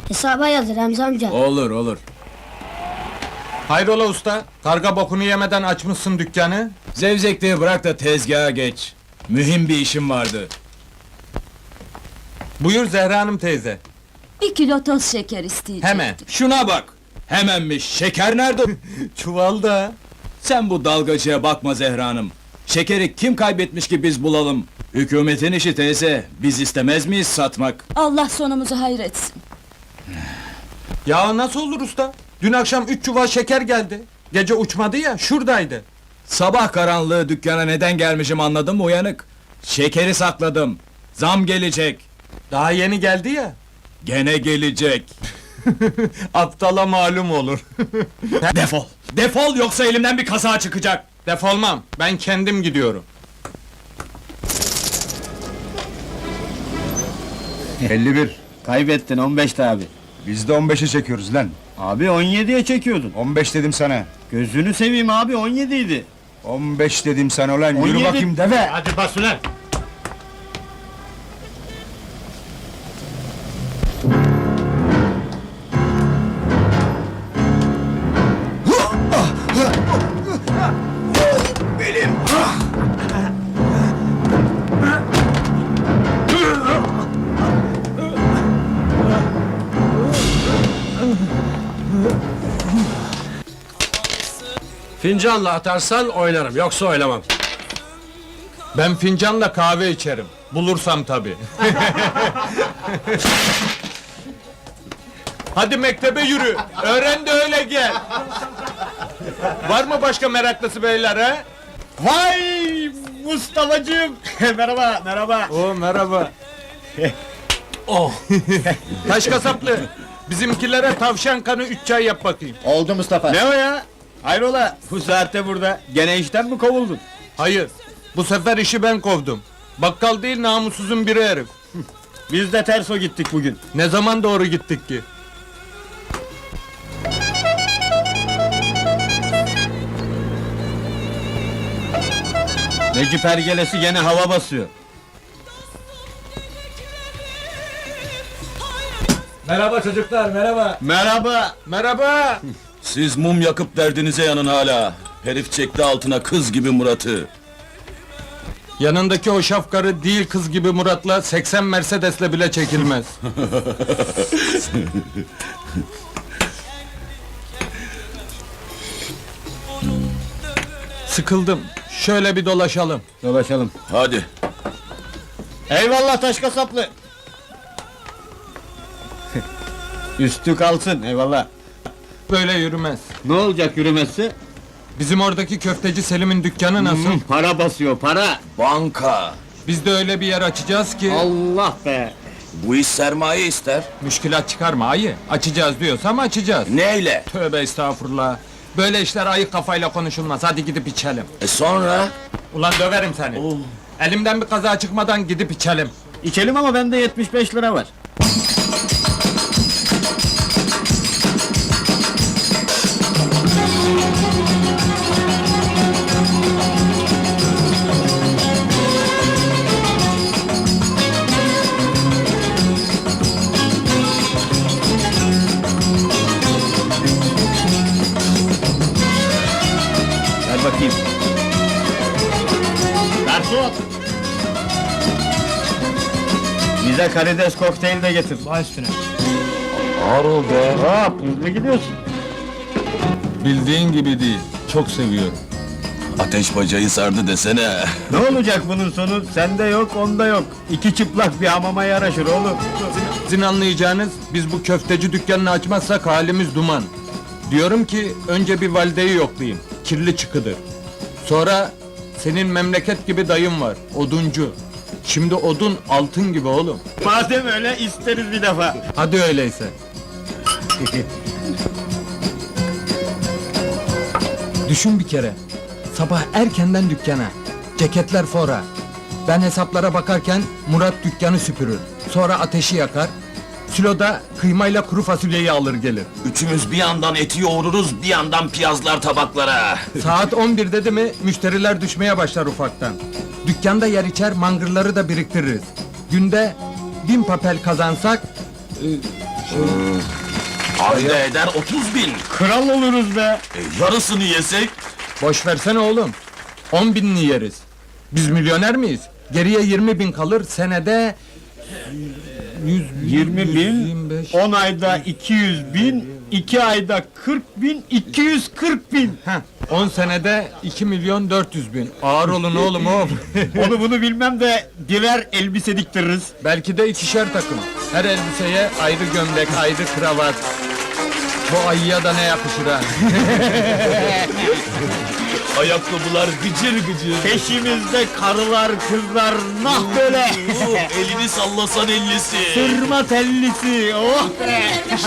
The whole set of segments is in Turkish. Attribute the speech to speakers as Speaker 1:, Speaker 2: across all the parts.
Speaker 1: Hesaba yazır Remzi amca.
Speaker 2: Olur olur.
Speaker 3: Hayrola usta? Karga bokunu yemeden açmışsın dükkanı.
Speaker 2: Zevzekliği bırak da tezgaha geç. Mühim bir işim vardı.
Speaker 3: Buyur Zehra Hanım teyze.
Speaker 4: 1 kilo toz şeker isteyecektim.
Speaker 3: Hemen.
Speaker 2: Şuna bak! Hemenmiş, şeker nerede?
Speaker 3: Çuvalda.
Speaker 2: Sen bu dalgacıya bakma Zehra Hanım. Şekeri kim kaybetmiş ki biz bulalım? Hükümetin işi teyze, biz istemez miyiz satmak?
Speaker 4: Allah sonumuzu hayretsin.
Speaker 3: Ya nasıl olur usta? Dün akşam 3 çuval şeker geldi. Gece uçmadı ya, şuradaydı.
Speaker 2: Sabah karanlığı dükkana neden gelmişim anladın mı uyanık? Şekeri sakladım. Zam gelecek.
Speaker 3: Daha yeni geldi ya.
Speaker 2: Gene gelecek.
Speaker 3: Aptala malum olur.
Speaker 2: Defol! Defol yoksa elimden bir kaza çıkacak!
Speaker 3: Defolmam, ben kendim gidiyorum.
Speaker 5: 51.
Speaker 6: Kaybettin 15'ti abi.
Speaker 5: Biz de 15'e çekiyoruz lan.
Speaker 6: Abi 17'ye çekiyordun.
Speaker 5: 15 dedim sana.
Speaker 6: Gözünü seveyim abi 17 idi.
Speaker 5: 15 dedim sana ulan. Yürü
Speaker 6: 17.
Speaker 5: bakayım deve.
Speaker 7: Hadi bas ulan! Fincanla atarsan oynarım, yoksa oynamam.
Speaker 3: Ben fincanla kahve içerim. Bulursam tabii. Hadi mektebe yürü. Öğren de öyle gel. Var mı başka meraklısı beyler ha?
Speaker 6: Vay Mustafa'cığım. Merhaba merhaba.
Speaker 3: Oo merhaba. Oh. Taş kasaplı. Bizimkilere tavşan kanı 3 çay yap bakayım.
Speaker 6: Oldu Mustafa. Ne o ya? Hayrola bu saatte burada. Gene işten mi kovuldun?
Speaker 3: Hayır. Bu sefer işi ben kovdum. Bakkal değil namussuzun biri herif.
Speaker 6: Biz de terso gittik bugün.
Speaker 3: Ne zaman doğru gittik ki?
Speaker 6: Necip Ergelesi gene hava basıyor.
Speaker 2: Merhaba çocuklar, merhaba!
Speaker 6: Merhaba.
Speaker 3: Merhaba.
Speaker 2: Siz mum yakıp derdinize yanın hala. Herif çekti altına kız gibi Murat'ı.
Speaker 3: Yanındaki o şafkarı değil kız gibi Murat'la 80 Mercedes'le bile çekilmez. Sıkıldım. Şöyle bir dolaşalım.
Speaker 6: Dolaşalım.
Speaker 2: Hadi.
Speaker 6: Eyvallah taş kasaplı. Üstü kalsın eyvallah.
Speaker 3: Böyle yürümez.
Speaker 6: Ne olacak yürümesi?
Speaker 3: Bizim oradaki köfteci Selim'in dükkanı nasıl?
Speaker 6: Para basıyor para.
Speaker 2: Banka.
Speaker 3: Biz de öyle bir yer açacağız ki...
Speaker 6: Allah be.
Speaker 2: Bu iş sermaye ister.
Speaker 3: Müşkilat çıkarma ayı. Açacağız diyorsam açacağız.
Speaker 2: Neyle?
Speaker 3: Tövbe estağfurullah. Böyle işler ayık kafayla konuşulmaz. Hadi gidip içelim.
Speaker 2: Sonra?
Speaker 3: Ulan döverim seni. Elimden bir kaza çıkmadan gidip içelim.
Speaker 6: İçelim ama bende 75 lira var. Ver bakayım. Garson! Bize karides kokteyl de getir. Baş üstüne. Ağır ol be. Hop, hızlı gidiyorsun.
Speaker 3: Bildiğin gibi değil. Çok seviyorum.
Speaker 2: Ateş bacayı sardı desene.
Speaker 6: Ne olacak bunun sonu? Sende yok, onda yok. İki çıplak bir hamama yaraşır oğlum.
Speaker 3: Sizin anlayacağınız, biz bu köfteci dükkanını açmazsak halimiz duman. Diyorum ki, önce bir valideyi yoklayayım. Kirli çıkıdır. Sonra, senin memleket gibi dayın var, oduncu. Şimdi odun altın gibi oğlum.
Speaker 6: Madem öyle isteriz bir defa.
Speaker 3: Hadi öyleyse. Düşün bir kere. Sabah erkenden dükkana. Ceketler fora. Ben hesaplara bakarken Murat dükkanı süpürür. Sonra ateşi yakar. Siloda kıymayla kuru fasulyeyi alır gelir.
Speaker 2: Üçümüz bir yandan eti yoğururuz, bir yandan piyazlar tabaklara.
Speaker 3: Saat 11 dedi mi müşteriler düşmeye başlar ufaktan. Dükkanda yer içer mangırları da biriktiririz. Günde 1000 papel kazansak
Speaker 1: Ayda eder 30.000.
Speaker 6: Kral oluruz be.
Speaker 1: Yarısını yesek?
Speaker 3: Boş versene oğlum. 10.000'ini yeriz. Biz milyoner miyiz? Geriye 20.000 kalır, senede...
Speaker 6: 20 bin,
Speaker 3: 125.
Speaker 6: 10 ayda 200 bin, 2 ayda 40 bin, 240 bin.
Speaker 3: Heh, 10 senede 2.400.000. Ağır olun oğlum oğlum.
Speaker 6: Onu bunu bilmem de birer elbise diktiririz.
Speaker 3: Belki de ikişer takım. Her elbiseye ayrı gömlek, ayrı kravat. Bu ayıya da ne yakışır ha?
Speaker 1: Ayakkabılar gıcır gıcır.
Speaker 6: Peşimizde karılar, kızlar, nah böyle.
Speaker 1: Elini sallasan ellisi.
Speaker 6: Sırma tellisi, oh be.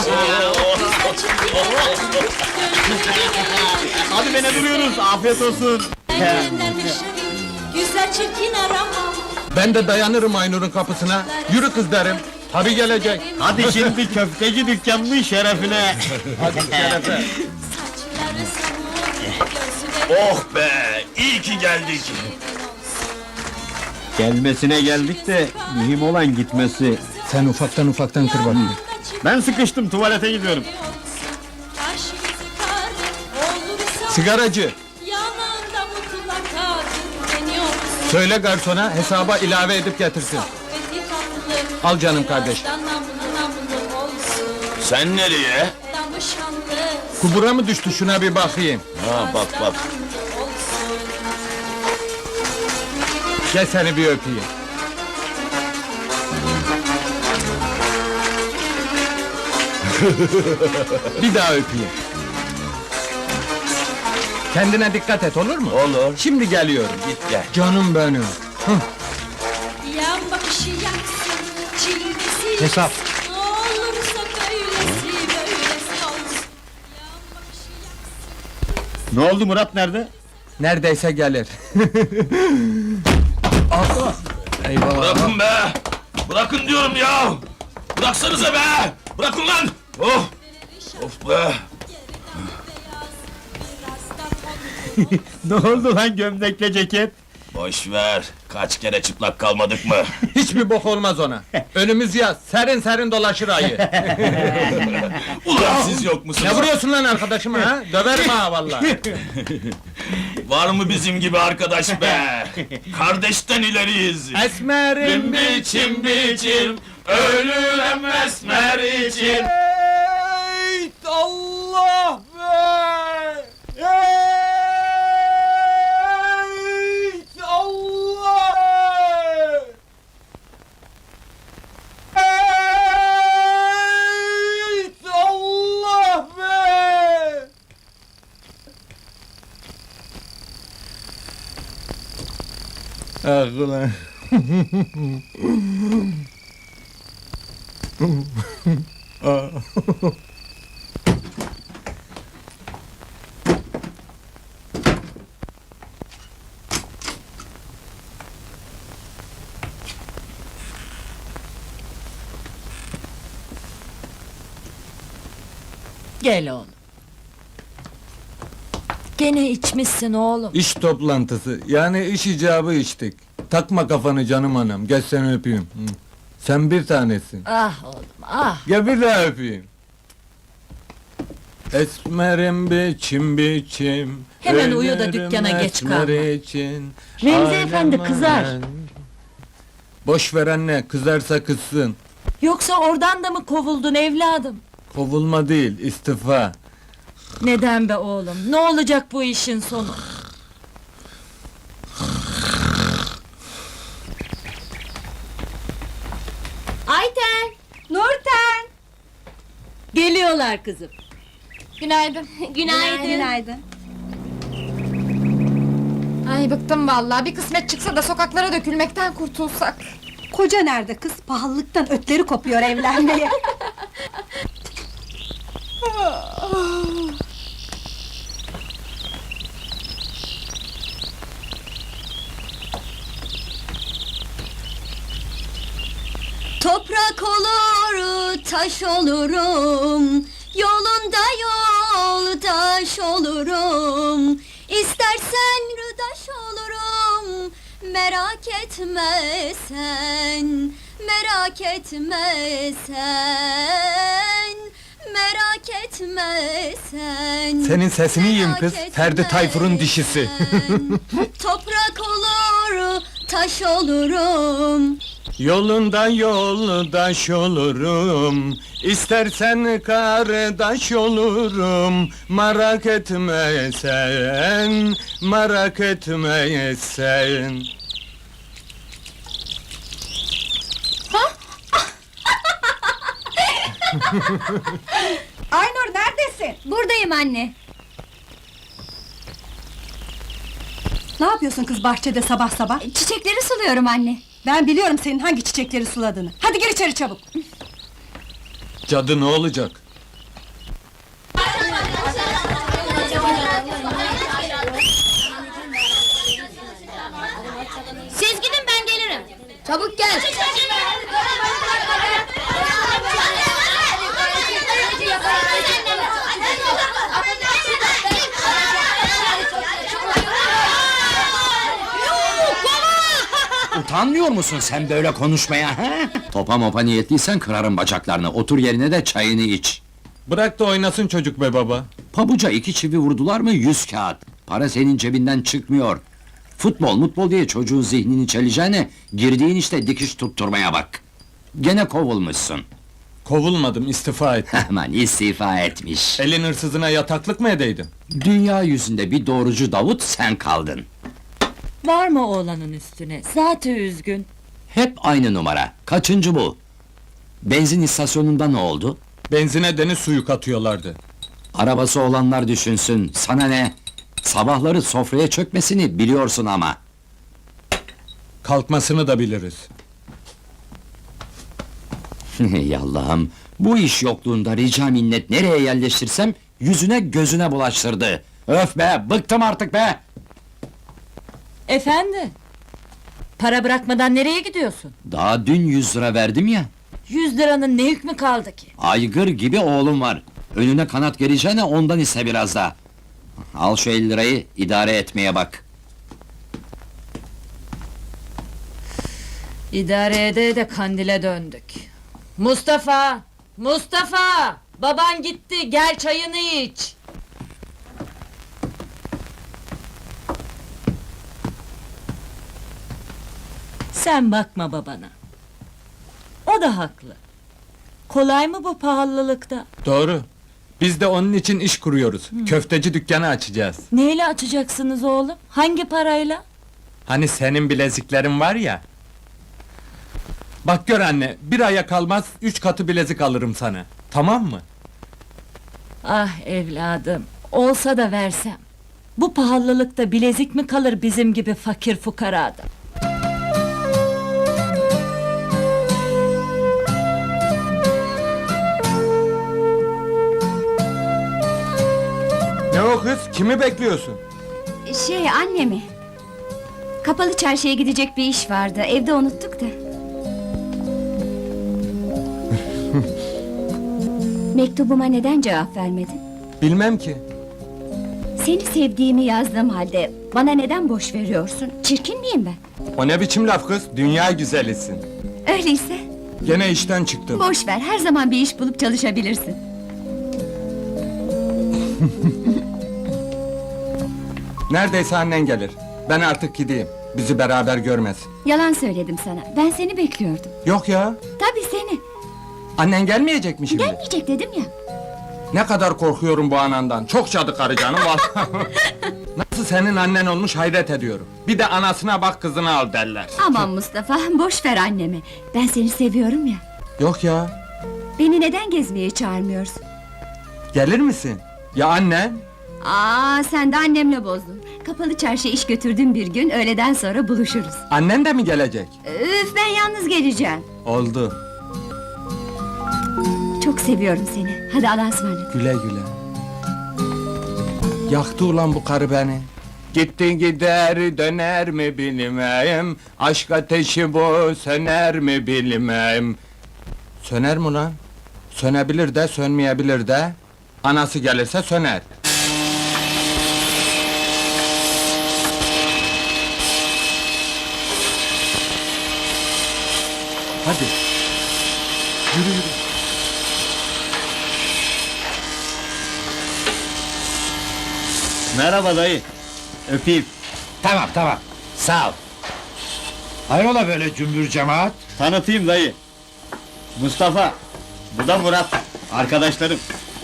Speaker 6: Hadi be ne duruyoruz, afiyet olsun.
Speaker 4: Güzel çirkin arama.
Speaker 3: Ben de dayanırım Aynur'un kapısına. Yürü kız derim. Tabi gelecek.
Speaker 6: Hadi şimdi köfteci dükkanının şerefine.
Speaker 4: Saçları savur, gözüne
Speaker 1: Oh be, iyi ki geldik.
Speaker 6: Gelmesine geldik de mühim olan gitmesi.
Speaker 3: Sen ufaktan kır bakayım.
Speaker 6: Ben sıkıştım, tuvalete gidiyorum.
Speaker 3: Sigaracı,
Speaker 4: Yanında mutlaka deniyorsun.
Speaker 3: söyle garsona hesaba ilave edip getirsin. Al canım kardeş.
Speaker 1: Sen nereye?
Speaker 3: Kubura mı düştü şuna bir bakayım.
Speaker 1: Ha bak bak.
Speaker 3: Gel seni bir öpeyim. Bir daha öpeyim. Kendine dikkat et olur mu?
Speaker 1: Olur.
Speaker 3: Şimdi geliyorum.
Speaker 1: Git gel.
Speaker 3: Canım benim.
Speaker 4: Yan bakışı yaksın, çilgisi
Speaker 3: Hesap.
Speaker 4: yaksın. Olursa böylesi olsun. Yan bakışı yaksın.
Speaker 6: Ne oldu, Murat nerede?
Speaker 3: Neredeyse gelir. Ah! Eyvallah.
Speaker 1: Bırakın be! Bırakın diyorum ya! Bıraksanıza be! Bırakın lan! Oh! Of be!
Speaker 6: Ne oldu lan gömlekle ceket?
Speaker 1: Boş ver! Kaç kere çıplak kalmadık mı?
Speaker 3: Hiçbir bok olmaz ona. Önümüz yaz, serin serin dolaşır ayı.
Speaker 1: Ulan siz yok musunuz?
Speaker 3: Ne vuruyorsun lan arkadaşıma ha? Döverim ha vallahi.
Speaker 1: Var mı bizim gibi arkadaş be? Kardeşten ileriyiz!
Speaker 3: Esmerim
Speaker 1: biçim biçim, ölürem esmer için!
Speaker 3: Ey Allah be! Ey Allah! Ey Allah be! Ah ulan.
Speaker 4: Gel oğlum. Gene içmişsin oğlum.
Speaker 3: İş toplantısı, yani iş icabı içtik. Takma kafanı canım anam, gel seni öpeyim. Hı. Sen bir tanesin.
Speaker 4: Ah oğlum ah.
Speaker 3: Gel bir daha öpeyim. Esmerim biçim biçim.
Speaker 4: Hemen uyu da
Speaker 3: ölürüm
Speaker 4: dükkana geç
Speaker 3: esmer
Speaker 4: kalma.
Speaker 3: için.
Speaker 8: Remzi efendi kızar.
Speaker 3: Boş ver anne, kızarsa kızsın.
Speaker 4: Yoksa oradan da mı kovuldun evladım?
Speaker 3: Kovulma değil, istifa.
Speaker 4: Neden be oğlum? Ne olacak bu işin sonu?
Speaker 8: Ayten! Nurten!
Speaker 4: Geliyorlar kızım.
Speaker 8: Günaydın. Günaydın. Ay bıktım vallahi. Bir kısmet çıksa da sokaklara dökülmekten kurtulsak.
Speaker 9: Koca nerede kız? Pahalılıktan ötleri kopuyor evlenmeye.
Speaker 4: Toprak olur, taş olurum. Yolunda yoldaş olurum. İstersen rıdaş olurum. Merak etme sen.
Speaker 10: merak etme sen, merak etme sen.
Speaker 3: Senin sesini yiyeyim kız,
Speaker 10: merak
Speaker 3: Ferdi
Speaker 10: etme
Speaker 3: Tayfur'un dişisi.
Speaker 10: sen. Toprak olur, taş olurum.
Speaker 3: Yolundan yoldaş olurum, istersen kardeş olurum. Merak etme sen, merak etme sen.
Speaker 9: Aynur neredesin?
Speaker 10: Buradayım anne.
Speaker 9: Ne yapıyorsun kız bahçede sabah sabah?
Speaker 10: Çiçekleri suluyorum anne.
Speaker 9: Ben biliyorum senin hangi çiçekleri suladığını. Hadi gir içeri çabuk.
Speaker 3: Cadı ne olacak?
Speaker 10: Siz gidin ben gelirim. Çabuk gel.
Speaker 6: Utanmıyor musun sen böyle konuşmaya ha? Topa mopa niyetliysen kırarım bacaklarını. Otur yerine de çayını iç.
Speaker 3: Bırak da oynasın çocuk be baba.
Speaker 6: Pabuca 2 çivi vurdular mı 100 kağıt. Para senin cebinden çıkmıyor. Futbol diye çocuğun zihnini çeleceğine... ...girdiğin işte dikiş tutturmaya bak. Gene kovulmuşsun.
Speaker 3: Kovulmadım, istifa ettim.
Speaker 6: Hemen istifa etmiş.
Speaker 3: Elin hırsızına yataklık mı edeydim?
Speaker 6: Dünya yüzünde bir doğrucu Davut sen kaldın.
Speaker 4: Var mı oğlanın üstüne? Zaten üzgün.
Speaker 6: Hep aynı numara. Kaçıncı bu? Benzin istasyonunda ne oldu?
Speaker 3: Benzine deniz suyu katıyorlardı.
Speaker 6: Arabası olanlar düşünsün, sana ne? Sabahları sofraya çökmesini biliyorsun ama.
Speaker 3: Kalkmasını da biliriz.
Speaker 6: Yallahım, bu iş yokluğunda rica minnet nereye yerleştirsem... ...yüzüne gözüne bulaştırdı. Öf be, bıktım artık be!
Speaker 4: Efendi? Para bırakmadan nereye gidiyorsun?
Speaker 6: Daha dün 100 lira verdim ya.
Speaker 4: 100 liranın ne hükmü kaldı ki?
Speaker 6: Aygır gibi oğlum var. Önüne kanat geleceğine ondan iste biraz daha. Al şu 50 lirayı, idare etmeye bak.
Speaker 4: İdare ede kandile döndük. Mustafa! Mustafa! Baban gitti, gel çayını iç! Sen bakma babana. O da haklı. Kolay mı bu pahalılıkta?
Speaker 3: Doğru. Biz de onun için iş kuruyoruz. Köfteci dükkanı açacağız.
Speaker 4: Neyle açacaksınız oğlum? Hangi parayla?
Speaker 3: Hani senin bileziklerin var ya. Bak gör anne, bir aya kalmaz 3 katı bilezik alırım sana. Tamam mı?
Speaker 4: Ah evladım, olsa da versem. Bu pahalılıkta bilezik mi kalır bizim gibi fakir fukarada?
Speaker 3: Ne o kız? Kimi bekliyorsun?
Speaker 10: Annemi. Kapalı çarşıya gidecek bir iş vardı. Evde unuttuk da. Mektubuma neden cevap vermedin?
Speaker 3: Bilmem ki.
Speaker 10: Seni sevdiğimi yazdığım halde bana neden boş veriyorsun? Çirkin miyim ben?
Speaker 3: O ne biçim laf kız? Dünya güzelisin.
Speaker 10: Öyleyse
Speaker 3: Gene işten çıktım.
Speaker 10: boş ver. Her zaman bir iş bulup çalışabilirsin.
Speaker 3: Neredeyse annen gelir. Ben artık gideyim. Bizi beraber görmez.
Speaker 10: Yalan söyledim sana. Ben seni bekliyordum.
Speaker 3: Yok ya.
Speaker 10: Tabii seni.
Speaker 3: Annen gelmeyecek mi şimdi?
Speaker 10: Gelmeyecek dedim ya.
Speaker 3: Ne kadar korkuyorum bu anandan. Çok cadı karı canım vallahi. Nasıl senin annen olmuş hayret ediyorum. Bir de anasına bak kızını al derler.
Speaker 10: Aman Mustafa, boş ver annemi. Ben seni seviyorum ya.
Speaker 3: Yok ya.
Speaker 10: Beni neden gezmeye çağırmıyorsun?
Speaker 3: Gelir misin? Ya annen?
Speaker 10: Sen de annemle bozdun. Kapalı çarşıya iş götürdüğüm bir gün öğleden sonra buluşuruz.
Speaker 3: Annen de mi gelecek?
Speaker 10: Üf, ben yalnız geleceğim.
Speaker 3: Oldu.
Speaker 10: Çok seviyorum seni. Hadi Allah'a ısmarladık.
Speaker 3: Güle güle. Yaktı ulan bu karı beni. Gitti gider döner mi bilmem. Aşk ateşi bu söner mi bilmem. Söner mi lan? Sönebilir de sönmeyebilir de. Anası gelirse söner. Hadi. Yürü yürü.
Speaker 2: Merhaba dayı. Öpeyim.
Speaker 5: Tamam tamam. Sağ ol. Hayrola böyle cümbür cemaat?
Speaker 2: Tanıtayım dayı. Mustafa. Bu da Murat. Arkadaşlarım.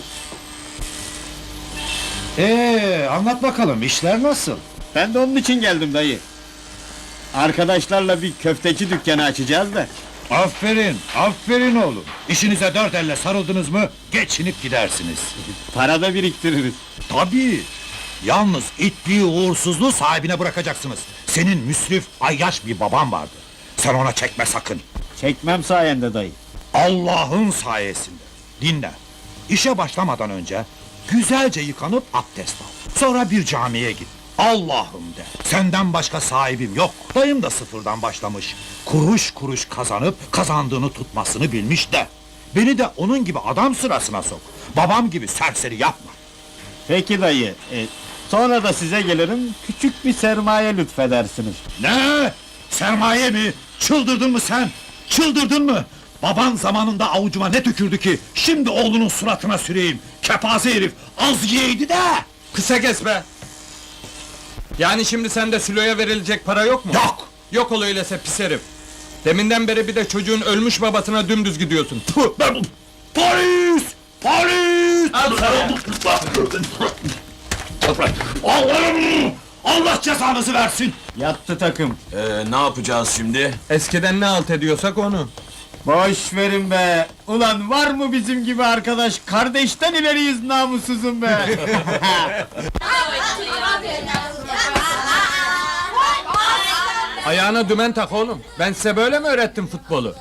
Speaker 5: Anlat bakalım işler nasıl?
Speaker 2: Ben de onun için geldim dayı. Arkadaşlarla bir köfteci dükkanı açacağız da.
Speaker 5: Aferin, aferin oğlum. İşinize dört elle sarıldınız mı geçinip gidersiniz.
Speaker 2: Para da biriktiririz.
Speaker 5: Tabii. Yalnız itliği uğursuzluğu sahibine bırakacaksınız. Senin müsrif, ayyaş bir baban vardı. Sen ona çekme sakın.
Speaker 2: Çekmem sayende dayı.
Speaker 5: Allah'ın sayesinde. Dinle. İşe başlamadan önce güzelce yıkanıp abdest al. Sonra bir camiye git. Allah'ım de. Senden başka sahibim yok. Dayım da sıfırdan başlamış. Kuruş kuruş kazanıp kazandığını tutmasını bilmiş de. Beni de onun gibi adam sırasına sok. Babam gibi serseri yapma.
Speaker 2: Peki dayı. Sonra da size gelirim. Küçük bir sermaye lütfedersiniz.
Speaker 5: Ne? Sermaye mi? Çıldırdın mı sen? Çıldırdın mı? Baban zamanında avucuma ne tükürdü ki? Şimdi oğlunun suratına süreyim. Kepaze herif, az yiyeydi de!
Speaker 3: Kısa kes be! Yani şimdi sende Sülo'ya verilecek para yok mu?
Speaker 5: Yok!
Speaker 3: Yok ol öyleyse pis herif! Deminden beri bir de çocuğun ölmüş babasına dümdüz gidiyorsun. Tüh!
Speaker 5: Polis! Polis!
Speaker 3: Al sana!
Speaker 5: Allah'ım! Allah cezanızı versin!
Speaker 2: Yattı takım.
Speaker 1: Ne yapacağız şimdi?
Speaker 3: Eskiden ne alt ediyorsak onu.
Speaker 2: Boş verin be! Ulan var mı bizim gibi arkadaş? Kardeşten ileriyiz namussuzum be!
Speaker 3: Ayağına dümen tak oğlum. Ben size böyle mi öğrettim futbolu?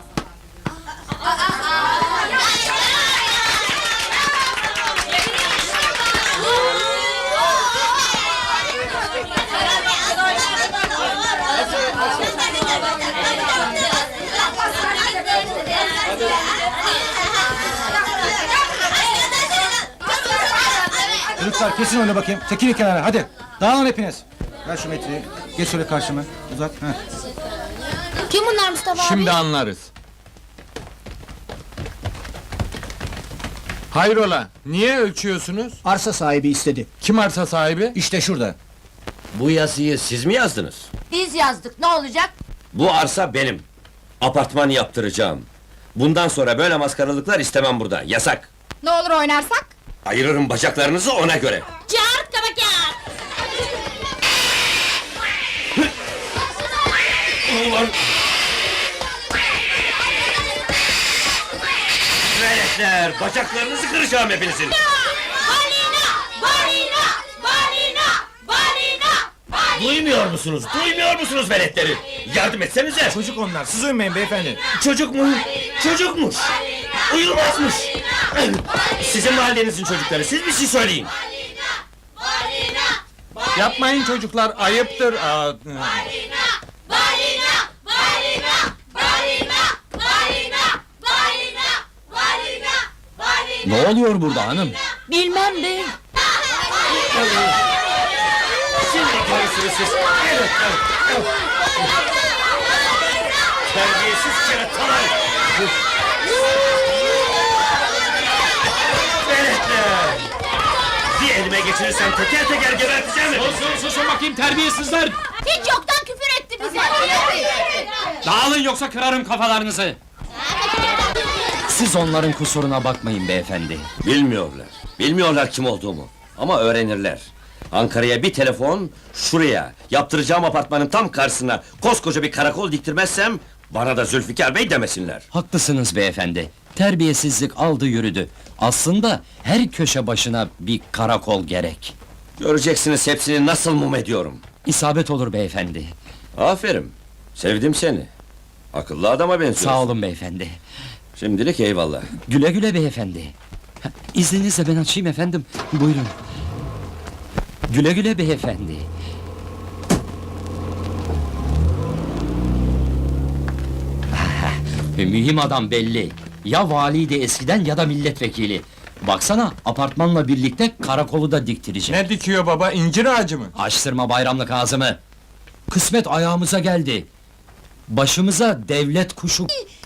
Speaker 5: Çocuklar kesin öyle bakayım. Çekilin kenara hadi. Dağılın hepiniz. Ver şu metreyi. Geç şöyle karşıma. Uzat.
Speaker 10: Kim bunlar Mustafa
Speaker 3: Şimdi anlarız. Hayrola, niye ölçüyorsunuz?
Speaker 5: Arsa sahibi istedi.
Speaker 3: Kim arsa sahibi?
Speaker 5: İşte şurada.
Speaker 7: Bu yazıyı siz mi yazdınız?
Speaker 8: Biz yazdık, ne olacak?
Speaker 7: Bu arsa benim. Apartman yaptıracağım. Bundan sonra böyle maskaralıklar istemem burada. Yasak.
Speaker 8: Ne olur oynarsak?
Speaker 7: Ayırırım bacaklarınızı ona göre.
Speaker 8: Çağırt kabakar!
Speaker 7: Ulan! Veletler, bacaklarınızı kıracağım hepinizin.
Speaker 8: Balina! Balina! Balina! Balina!
Speaker 7: Duymuyor musunuz? Duymuyor musunuz veletleri? Yardım etsenize!
Speaker 5: Çocuk onlar. Siz uyumayın beyefendi.
Speaker 7: Çocuk mu? Çocukmuş! Uyulmazmış! Sizin mahallenizin çocukları, siz bir şey söyleyin!
Speaker 3: Yapmayın çocuklar, ayıptır.
Speaker 8: Balina! Balina! Balina! Balina! Balina! Balina!
Speaker 2: Ne oluyor burada hanım?
Speaker 4: Bilmem be.
Speaker 7: Şimdi görürsünüz siz! Evet, evet! Terbiyesiz keratalar! Veletler! Bir elime geçirirsem teker teker geberteceğim hepinizi!
Speaker 1: Susun bakayım terbiyesizler!
Speaker 8: Hiç yoktan küfür etti bize!
Speaker 1: Dağılın yoksa kırarım kafalarınızı!
Speaker 6: Siz onların kusuruna bakmayın beyefendi.
Speaker 7: Bilmiyorlar. Bilmiyorlar kim olduğumu. Ama öğrenirler. Ankara'ya bir telefon, şuraya, yaptıracağım apartmanın tam karşısına koskoca bir karakol diktirmezsem, bana da Zülfikar Bey demesinler.
Speaker 6: Haklısınız beyefendi. Terbiyesizlik aldı yürüdü. Aslında her köşe başına bir karakol gerek.
Speaker 7: Göreceksiniz hepsini nasıl mum ediyorum.
Speaker 6: İsabet olur beyefendi.
Speaker 7: Aferin, sevdim seni. Akıllı adama benziyorsun.
Speaker 6: Sağ olun beyefendi.
Speaker 7: Şimdilik eyvallah.
Speaker 6: Güle güle beyefendi. Ha, İzninizle ben açayım efendim. Buyurun. Güle güle beyefendi. Mühim adam belli. Ya valiydi eskiden ya da milletvekili. Baksana apartmanla birlikte karakolu da diktirecek.
Speaker 3: Ne dikiyor baba, incir ağacı mı?
Speaker 6: Açtırma bayramlık ağzımı. Kısmet ayağımıza geldi. Başımıza devlet kuşu...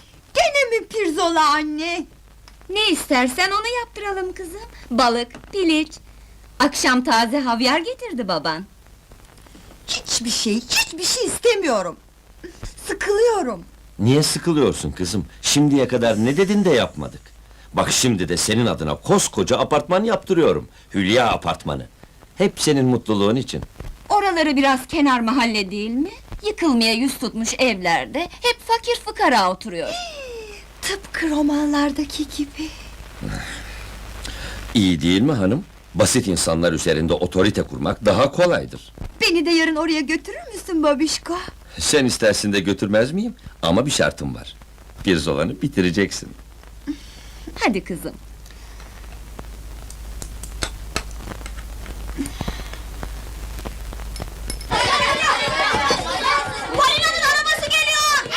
Speaker 9: Hayrola anne?
Speaker 10: Ne istersen onu yaptıralım kızım. Balık, piliç. Akşam taze havyar getirdi baban.
Speaker 9: Hiçbir şey istemiyorum. Sıkılıyorum.
Speaker 7: Niye sıkılıyorsun kızım? Şimdiye kadar ne dedin de yapmadık. Bak şimdi de senin adına koskoca apartman yaptırıyorum. Hülya apartmanı. Hep senin mutluluğun için.
Speaker 10: Oraları biraz kenar mahalle değil mi? Yıkılmaya yüz tutmuş evlerde hep fakir fukara oturuyor.
Speaker 9: Tıpkı romanlardaki gibi.
Speaker 7: İyi değil mi hanım? Basit insanlar üzerinde otorite kurmak daha kolaydır.
Speaker 9: Beni de yarın oraya götürür müsün babişko?
Speaker 7: Sen istersin de götürmez miyim? Ama bir şartım var. Pirzolanı bitireceksin.
Speaker 10: Hadi kızım.
Speaker 9: Balinanın arabası geliyor!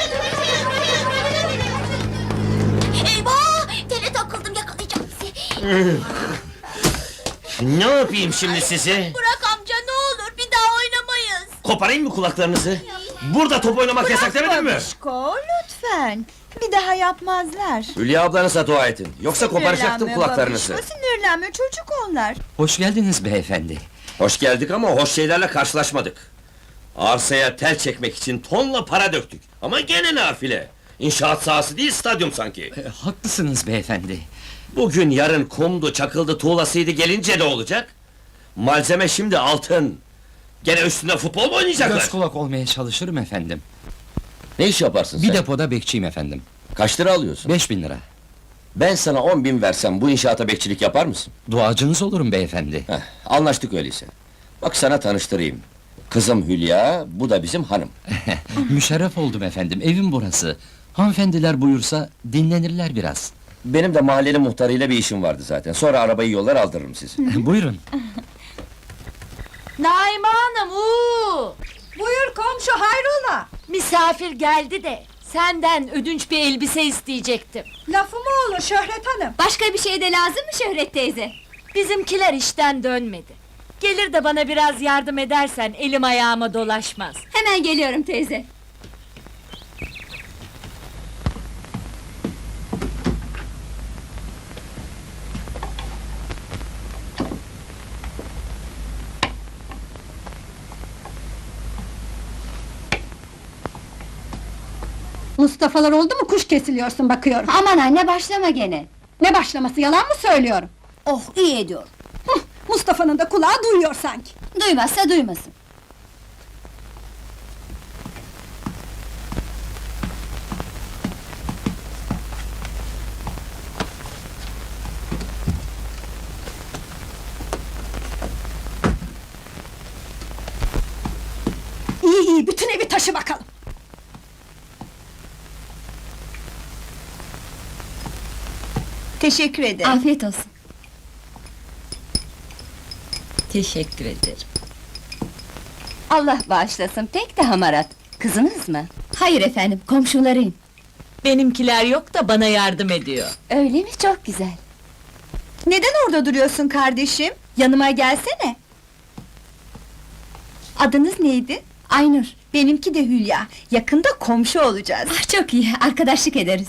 Speaker 9: Eyvah! Tele takıldım, yakalayacağım sizi!
Speaker 7: Ne yapayım şimdi sizi?
Speaker 9: Bırak amca, ne olur, bir daha oynamayız!
Speaker 7: Koparayım mı kulaklarınızı? Burada top oynamak yasak demedim mi?
Speaker 9: Babişko, lütfen! Bir daha yapmazlar.
Speaker 7: Hülya ablanıza dua edin. Yoksa koparacaktım kulaklarınızı.
Speaker 9: Sinirlenme, çocuk onlar.
Speaker 6: Hoş geldiniz beyefendi.
Speaker 7: Hoş geldik ama hoş şeylerle karşılaşmadık. Arsaya tel çekmek için tonla para döktük. Ama gene nafile. İnşaat sahası değil, stadyum sanki.
Speaker 6: Haklısınız beyefendi.
Speaker 7: Bugün yarın kumdu, çakıldı, tuğlasıydı, gelince de olacak. Malzeme şimdi altın. Gene üstünde futbol mu oynayacaklar?
Speaker 6: Göz kulak olmaya çalışırım efendim.
Speaker 7: Ne iş yaparsın
Speaker 6: Bir
Speaker 7: sen?
Speaker 6: depoda bekçiyim efendim.
Speaker 7: Kaç lira alıyorsun?
Speaker 6: 5000 lira.
Speaker 7: Ben sana 10.000 versem bu inşaata bekçilik yapar mısın?
Speaker 6: Duacınız olurum beyefendi.
Speaker 7: Heh, anlaştık öyleyse. Bak sana tanıştırayım. Kızım Hülya, bu da bizim hanım.
Speaker 6: Müşerref oldum efendim, evim burası. Hanımefendiler buyursa dinlenirler biraz.
Speaker 7: Benim de mahallenin muhtarıyla bir işim vardı zaten. Sonra arabayı yollar aldırırım sizi.
Speaker 6: Buyurun.
Speaker 4: Naime Hanım, uuu!
Speaker 9: Buyur komşu, hayrola?
Speaker 4: Misafir geldi de senden ödünç bir elbise isteyecektim.
Speaker 9: Lafı mı olur Şöhret Hanım?
Speaker 10: Başka bir şey de lazım mı Şöhret teyze?
Speaker 4: Bizimkiler işten dönmedi. Gelir de bana biraz yardım edersen elim ayağıma dolaşmaz.
Speaker 10: Hemen geliyorum teyze.
Speaker 9: Mustafa'lar oldu mu kuş kesiliyorsun bakıyorum.
Speaker 10: Aman anne başlama gene.
Speaker 9: Ne başlaması, yalan mı söylüyorum?
Speaker 10: Oh iyi ediyor.
Speaker 9: Mustafa'nın da kulağı duyuyor sanki.
Speaker 10: Duymazsa duymasın.
Speaker 9: İyi iyi, bütün evi taşı bakalım. Teşekkür ederim.
Speaker 10: Afiyet olsun.
Speaker 4: Teşekkür ederim.
Speaker 10: Allah bağışlasın pek de hamarat. Kızınız mı? Hayır efendim, komşularıyım.
Speaker 4: Benimkiler yok da bana yardım ediyor.
Speaker 10: Öyle mi? Çok güzel.
Speaker 9: Neden orada duruyorsun kardeşim? Yanıma gelsene. Adınız neydi?
Speaker 10: Aynur.
Speaker 9: Benimki de Hülya. Yakında komşu olacağız.
Speaker 10: Ah çok iyi, arkadaşlık ederiz.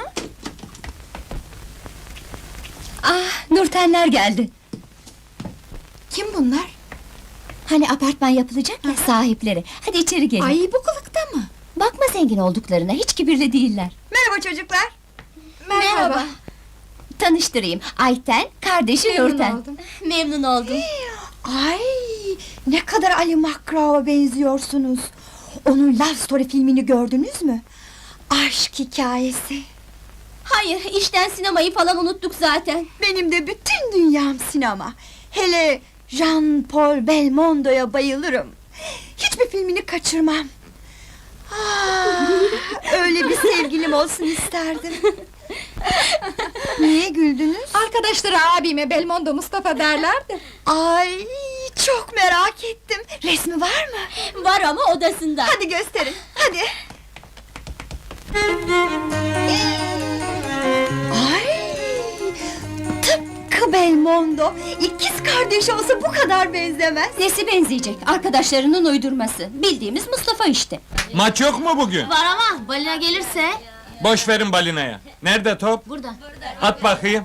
Speaker 10: Ah, Nurtenler geldi.
Speaker 9: Kim bunlar?
Speaker 10: Hani apartman yapılacak ya, sahipleri. Hadi içeri gelin.
Speaker 9: Ay, bu kılıkta mı?
Speaker 10: Bakma zengin olduklarına, hiç kibirli değiller.
Speaker 9: Merhaba çocuklar.
Speaker 10: Merhaba. Tanıştırayım, Ayten, kardeşi
Speaker 9: Memnun
Speaker 10: Nurten.
Speaker 9: oldum.
Speaker 10: Memnun oldum.
Speaker 9: Ay, ne kadar Ali Makrao'ya benziyorsunuz. Onun Love Story filmini gördünüz mü? Aşk hikayesi.
Speaker 10: Hayır, işten sinemayı falan unuttuk zaten.
Speaker 9: Benim de bütün dünyam sinema. Hele Jean-Paul Belmondo'ya bayılırım. Hiçbir filmini kaçırmam. Ah, öyle bir sevgilim olsun isterdim. Niye güldünüz?
Speaker 8: Arkadaşları abime Belmondo Mustafa derler de.
Speaker 9: Ay, çok merak ettim. Resmi var mı?
Speaker 10: Var ama odasında.
Speaker 9: Hadi gösterin, hadi. Ay, tıpkı Belmondo. İkiz kardeş olsa bu kadar benzemez.
Speaker 10: Nesi benzeyecek? Arkadaşlarının uydurması. Bildiğimiz Mustafa işte.
Speaker 3: Maç yok mu bugün?
Speaker 10: Var ama balina gelirse...
Speaker 3: Boş verin balinaya. Nerede top?
Speaker 10: Burada.
Speaker 3: At bakayım.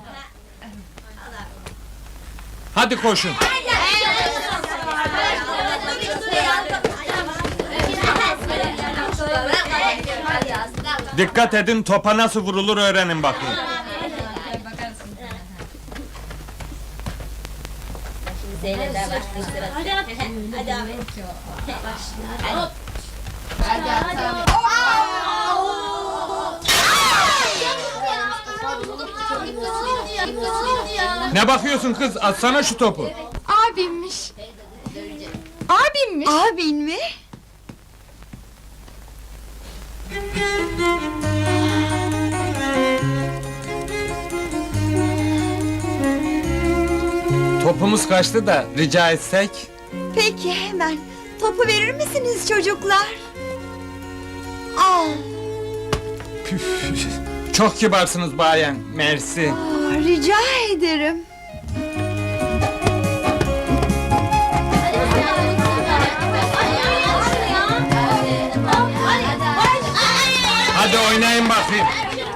Speaker 3: Hadi koşun. Dikkat edin, topa nasıl vurulur öğrenin bakayım. Ne bakıyorsun kız? Atsana şu topu.
Speaker 8: Abimmiş. Abimmiş.
Speaker 9: Abin mi?
Speaker 3: Topumuz kaçtı da rica etsek.
Speaker 9: Peki hemen. Topu verir misiniz çocuklar? Al.
Speaker 3: Çok kibarsınız bayan. Mersi.
Speaker 9: Rica ederim.
Speaker 3: Hadi oynayın bakayım.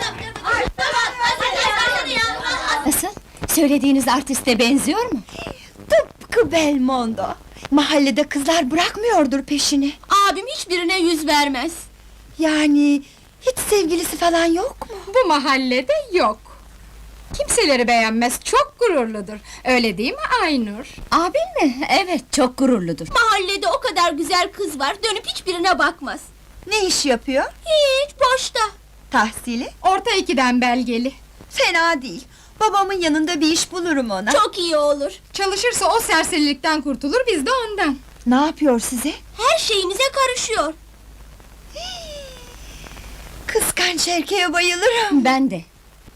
Speaker 10: Nasıl? Söylediğiniz artiste benziyor mu?
Speaker 9: Tıpkı Belmondo. Mahallede kızlar bırakmıyordur peşini.
Speaker 10: Abim hiçbirine yüz vermez.
Speaker 9: Yani hiç sevgilisi falan yok mu?
Speaker 8: Bu mahallede yok. Kimseleri beğenmez, çok gururludur. Öyle değil mi Aynur?
Speaker 10: Abin mi? Evet, çok gururludur. Mahallede o kadar güzel kız var, dönüp hiçbirine bakmaz.
Speaker 9: Ne iş yapıyor?
Speaker 10: Hiç, boşta.
Speaker 9: Tahsili?
Speaker 8: Orta 2'den belgeli.
Speaker 9: Fena değil. Babamın yanında bir iş bulurum ona.
Speaker 10: Çok iyi olur.
Speaker 8: Çalışırsa o serserilikten kurtulur, biz de ondan.
Speaker 9: Ne yapıyor size?
Speaker 10: Her şeyimize karışıyor.
Speaker 9: Kıskanç erkeğe bayılırım.
Speaker 10: Ben de.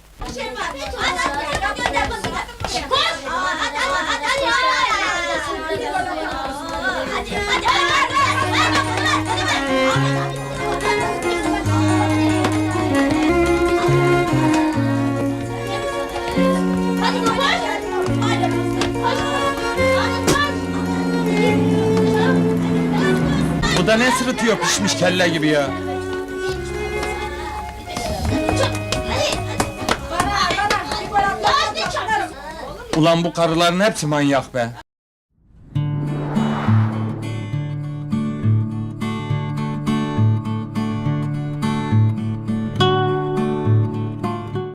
Speaker 3: Bu da ne sırıtıyor pişmiş kelle gibi ya. Ulan bu karıların hepsi manyak be.